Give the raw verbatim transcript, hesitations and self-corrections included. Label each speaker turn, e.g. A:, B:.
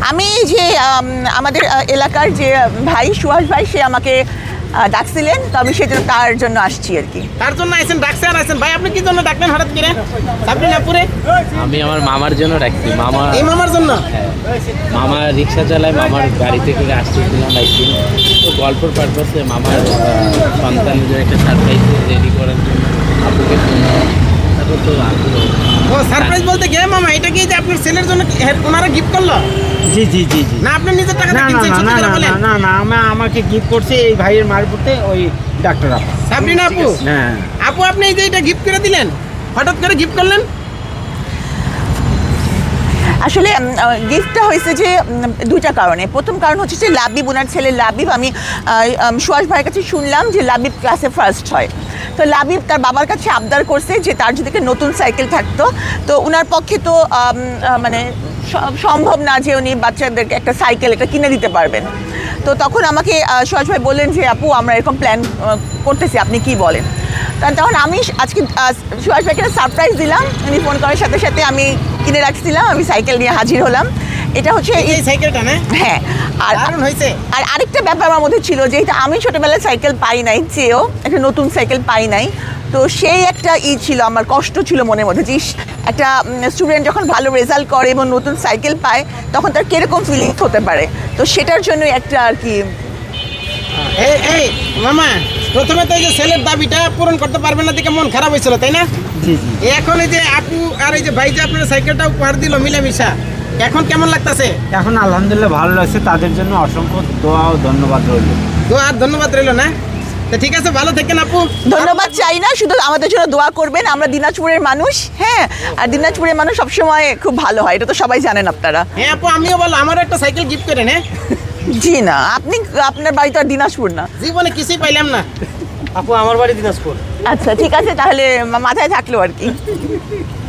A: আমি যে আমাদের এলাকার যে ভাই সুহাস ভাই সে আমাকে ডাকছিলেন, তো আমি সেজন্য তার জন্য আসছি আর কি।
B: তার জন্য আইছেন, ডাকছে আর আইছেন। ভাই আপনি কি জন্য ডাকলেন হঠাৎ করে সাবরিন আপুরে?
C: আমি আমার মামার জন্য ডাকছি। মামা
B: এই মামার জন্য?
C: হ্যাঁ, মামা রিক্সা চালায়, মামার গাড়িতে করে আসতেছিলাম একদিন, তো গল্পর পারপাসে মামার সন্তানদের একটা সারপ্রাইজ রেডি করার জন্য আপুকে ফোন। তারপর তো আপুরও
B: ও সারপ্রাইজ বলতে গে মামা, এটা কি যে আপনার ছেলের জন্য ওনারা গিফট করলো?
D: জি জি জি জি
B: না আপনি নিজের টাকা
D: না
B: দিয়ে
D: না
B: কিনছেন?
D: না
B: সত্যি
D: না
B: করে বলেন।
D: না না না আমা আমাকে গিফট করছে এই ভাইয়ের মারফতে ওই ডাক্তার আপা।
B: সাবরিন আপু,
D: হ্যাঁ
B: আপু আপনি এই যে এটা গিফট করে দিলেন, হঠাৎ করে গিফট করলেন?
A: আসলে গিফটটা হয়েছে যে উম, দুইটা কারণে। প্রথম কারণ হচ্ছে যে লাবিব, ওনার ছেলে লাবিব, আমি সুহাস ভাইয়ের কাছে শুনলাম যে লাবিব ক্লাসে ফার্স্ট হয়। তো লাবিব তার বাবার কাছে আবদার করছে যে তার যদি একটা নতুন সাইকেল থাকতো, তো ওনার পক্ষে তো আম, আহ, মানে স- সম্ভব না যে উনি বাচ্চাদেরকে একটা সাইকেল এটা কিনে দিতে পারবেন। তো তখন আমাকে আহ, সুহাস ভাই বললেন যে আপু আমরা এরকম প্ল্যান করতেছি, আপনি কি বলেন? তা তখন আমি আজকে আহ, সুহাস ভাইকে সারপ্রাইজ দিলাম। উনি ফোন করার সাথে সাথে আমি কিনে রাখছিলাম, আমি সাইকেল নিয়ে হাজির হলাম। এটা হচ্ছে
B: এই
A: এই-
B: সাইকেলটা না?
A: হ্যাঁ। আর
B: দারুণ হয়েছে।
A: আর আরেকটা ব্যাপার আমার মধ্যে ছিল, যেহেতু আমি ছোটোবেলায় সাইকেল পাই নাই, চেয়েও একটা নতুন সাইকেল পাই নাই, তো সেই একটা ই ছিল, আমার কষ্ট ছিল মনের মধ্যে যে ইস, একটা স্টুডেন্ট যখন ভালো রেজাল্ট করে এবং নতুন সাইকেল পায় তখন তার কীরকম ফিলিংস হতে পারে, তো সেটার জন্য একটা আর কি।
B: এই এই মামা, প্রথমে তো এই যে ছেলের দাবিটা পূরণ করতে পারবেন না দেখে মন খারাপ হয়েছিল, তাই না?
D: জি জি
B: এখন এই যে আপু আর এই যে ভাই যে আপনার সাইকেলটা উপহার দিল মিলামিশা, এখন কেমন লাগতাছে?
D: এখন আলহামদুলিল্লাহ ভালো লাগছে, তাদের জন্য অসংখ্য দোয়া ও ধন্যবাদ রইল।
B: তো আর ধন্যবাদ রইল না? তো ঠিক আছে, ভালো থাকেন আপু।
A: ধন্যবাদ চাই না, শুধু আমাদের জন্য দোয়া করবেন। আমরা দিনাজপুরের মানুষ, হ্যাঁ, আর দিনাজপুরের মানুষ সবসময় খুব ভালো হয়, এটা তো সবাই জানেন আপনারা।
B: হ্যাঁ আপু, আমিও বলো আমারও একটা সাইকেল গিফট করেন। হ্যাঁ,
A: জি না, আপনি আপনার বাড়ি তো আর দিনাজপুর না।
B: জীবনে কিছুই পাইলাম না।
D: আপু আমার বাড়ি দিনাজপুর।
A: আচ্ছা ঠিক আছে, তাহলে মাথায় থাকলো আর কি।